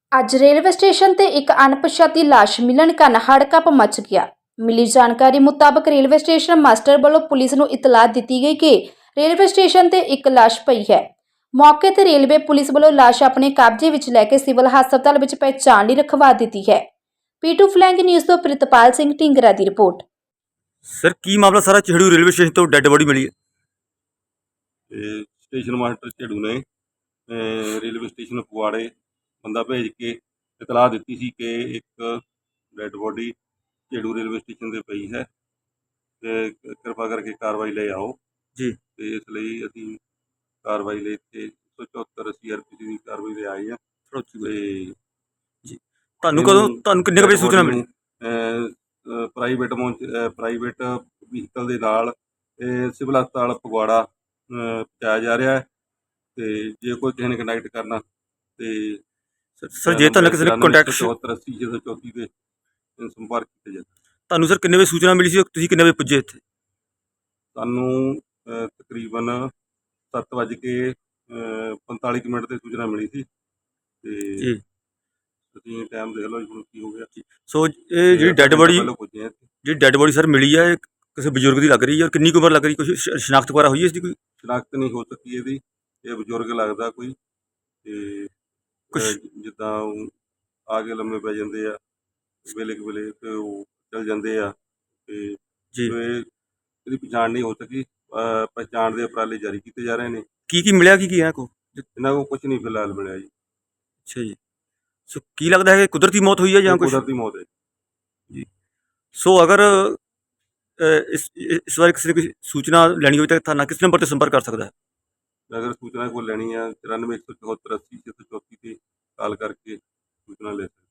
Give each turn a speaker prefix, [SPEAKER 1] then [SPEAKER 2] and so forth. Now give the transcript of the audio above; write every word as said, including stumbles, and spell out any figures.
[SPEAKER 1] ਅੱਜ railway station ਤੇ ਇੱਕ ਅਣਪਛਾਤੀ ਲਾਸ਼ ਮਿਲਣ ਕਾਰਨ ਹੜਕੰਪ ਮਚ ਗਿਆ। ਮਿਲੀ ਜਾਣਕਾਰੀ ਮੁਤਾਬਕ ਰੇਲਵੇ ਸਟੇਸ਼ਨ ਮਾਸਟਰ ਵੱਲੋਂ ਪੁਲਿਸ ਨੂੰ ਇਤਲਾਹ ਦਿੱਤੀ ਗਈ ਕਿ ਰੇਲਵੇ ਸਟੇਸ਼ਨ ਤੇ ਇੱਕ ਲਾਸ਼ ਪਈ ਹੈ। ਮੌਕੇ ਤੇ ਰੇਲਵੇ ਪੁਲਿਸ ਵੱਲੋਂ ਲਾਸ਼ ਆਪਣੇ ਕਬਜ਼ੇ ਵਿੱਚ ਲੈ ਕੇ ਸਿਵਲ ਹਸਪਤਾਲ ਵਿੱਚ ਪਹਿਚਾਣ ਲਈ ਰਖਵਾ ਦਿੱਤੀ ਹੈ। ਪੀਟੂ ਫਲੈਂਗ ਨਿਊਜ਼ ਤੋਂ ਪ੍ਰਿਤਪਾਲ ਸਿੰਘ ਢਿੰਗਰਾ ਦੀ ਰਿਪੋर्ट।
[SPEAKER 2] सर की मामला सारा चिड़ू रेलवे स्टेशन तो डेड बॉडी मिली है।
[SPEAKER 3] ਤੇ ਸਟੇਸ਼ਨ ਮਾਸਟਰ ਝੇੜੂ ਨੇ ਅਹ, ਰੇਲਵੇ ਸਟੇਸ਼ਨ ਫਗਵਾੜੇ ਬੰਦਾ ਭੇਜ ਕੇ ਇਤਲਾਹ ਦਿੱਤੀ ਸੀ ਕਿ ਇੱਕ dead body Jheru railway station ਤੇ ਪਈ ਹੈ ਤੇ ਕਿਰਪਾ ਕਰਕੇ ਕਾਰਵਾਈ ਲਈ ਆਓ
[SPEAKER 2] जी
[SPEAKER 3] ਤੇ ਇਸ ਲਈ ਅਸੀਂ ਕਾਰਵਾਈ ਲਈ ਇੱਥੇ ਇੱਕ ਸੌ ਚੁਹੱਤਰ ਸੀ ਆਰ ਪੀ ਸੀ ਦੀ ਕਾਰਵਾਈ ਲਈ ਆਏ ਆ
[SPEAKER 2] थोड़ा उच्ची बोलो।
[SPEAKER 3] ਤੇ
[SPEAKER 2] जी ਤੁਹਾਨੂੰ ਕਦੋਂ ਤੁਹਾਨੂੰ ਕਿੰਨੇ ਕੁ ਵਜੇ ਸੂਚਨਾ ਮਿਲੀ?
[SPEAKER 3] ਪ੍ਰਾਈਵੇਟ ਪ੍ਰਾਈਵੇਟ ਵਹੀਕਲ ਦੇ ਨਾਲ ਇਹ ਸਿਵਲ ਹਸਪਤਾਲ ਫਗਵਾੜਾ ਅਹ, ਪਹੁੰਚਾਇਆ ਜਾ ਰਿਹਾ ਹੈ ਤੇ ਜੇ ਕੋਈ ਕਿਸੇ ਨੇ ਕੰਟੈਕਟ ਕਰਨਾ ਤੇ
[SPEAKER 2] ਸਰ ਸਰ ਜੇ ਤੁਹਾਨੂੰ ਕਿਸੇ ਨੇ ਕੰਟੈਕਟ
[SPEAKER 3] ਚੁਹੱਤਰ ਅੱਸੀ ਛੇ ਸੌ ਚੌਂਤੀ ਤੇ ਸੰਪਰਕ ਕੀਤਾ ਜਾਵੇ।
[SPEAKER 2] ਤੁਹਾਨੂੰ ਸਰ ਕਿੰਨੇ ਵਜੇ ਸੂਚਨਾ ਮਿਲੀ ਸੀ? ਤੁਸੀਂ ਕਿੰਨੇ ਵਜੇ ਪੁੱਜੇ ਇੱਥੇ?
[SPEAKER 3] ਸਾਨੂੰ ਅਹ, ਤਕਰੀਬਨ ਸੱਤ ਵੱਜ ਕੇ ਅਹ, ਪੰਤਾਲੀ ਕੁ ਮਿੰਟ ਤੇ ਸੂਚਨਾ ਮਿਲੀ ਸੀ ਤੇ
[SPEAKER 2] ਜੀ
[SPEAKER 3] ਤੁਸੀਂ ਟਾਈਮ ਦੇਖ ਲਓ ਜੀ ਹੁਣ ਕੀ ਹੋ ਗਿਆ।
[SPEAKER 2] ਸੋ ਇਹ ਜਿਹੜੀ ਡੈਡ ਬੋਡੀ
[SPEAKER 3] ਪਹਿਲਾਂ ਪੁੱਜੇ ਹਾਂ ਇੱਥੇ।
[SPEAKER 2] ਜਿਹੜੀ ਡੈਡ ਬੋਡੀ ਸਰ ਮਿਲੀ ਹੈ, ਇਹ ਕਿਸੇ ਬਜ਼ੁਰਗ ਦੀ ਲੱਗ ਰਹੀ ਹੈ ਔਰ ਕਿੰਨੀ ਕੁ ਉਮਰ ਲੱਗ ਰਹੀ? ਕੁਝ ਸ਼ਨਾਖਤ ਵਗੈਰਾ ਹੋਈ ਹੈ ਇਸ ਦੀ ਕੋਈ?
[SPEAKER 3] ਸ਼ਨਾਖਤ ਨਹੀਂ ਹੋ ਸਕੀ ਇਹਦੀ, ਇਹ ਬਜ਼ੁਰਗ ਲੱਗਦਾ ਕੋਈ ਤੇ
[SPEAKER 2] ਕੁਛ
[SPEAKER 3] ਅਹ, ਜਿੱਦਾਂ ਉਹ ਆ ਕੇ ਲੰਮੇ ਪੈ ਜਾਂਦੇ ਆ ਵੇਲੇ ਕੁ ਵੇਲੇ ਤੇ ਉਹ ਚਲ ਜਾਂਦੇ ਆ ਤੇ
[SPEAKER 2] ਜੀ
[SPEAKER 3] ਇਹ ਇਹਦੀ ਪਛਾਣ ਨਹੀਂ ਹੋ ਸਕੀ। ਅਹ, ਪਹਿਚਾਣ ਦੇ ਉਪਰਾਲੇ ਜਾਰੀ ਕੀਤੇ ਜਾ ਰਹੇ ਨੇ।
[SPEAKER 2] ਕੀ ਕੀ ਮਿਲਿਆ, ਕੀ ਕੀ ਹੈ ਕੋ?
[SPEAKER 3] ਇਹਨਾਂ ਕੋਲ ਕੁਝ ਨਹੀਂ ਫਿਲਹਾਲ ਮਿਲਿਆ ਜੀ।
[SPEAKER 2] ਅੱਛਾ ਜੀ। ਸੋ ਕੀ ਲੱਗਦਾ ਹੈ ਕਿ ਕੁਦਰਤੀ ਮੌਤ ਹੋਈ ਹੈ ਜਾਂ
[SPEAKER 3] ਇਹ
[SPEAKER 2] ਕੁਝ?
[SPEAKER 3] ਕੁਦਰਤੀ ਮੌਤ ਹੈ।
[SPEAKER 2] ਜੀ ਸੋ ਅਗਰ ਅ, ਇਸ ਇਸ ਬਾਰੇ ਕਿਸੇ ਨੇ ਕੋਈ ਸੂਚਨਾ ਲੈਣੀ ਹੋਵੇ ਤਾਂ ਥਾਣਾ ਕਿਸ ਨੰਬਰ ਤੇ ਸੰਪਰਕ ਕਰ ਸਕਦਾ ਹੈ?
[SPEAKER 3] ਅਗਰ ਸੂਚਨਾ ਕੋਈ ਲੈਣੀ ਆ ਚੁਰਾਨਵੇਂ ਇੱਕ ਸੌ ਚੁਹੱਤਰ ਅੱਸੀ ਛੇ ਸੌ ਚੌਂਤੀ ਤੇ ਕਾਲ ਕਰਕੇ ਸੂਚਨਾ ਲੈ ਸਕਦੇ।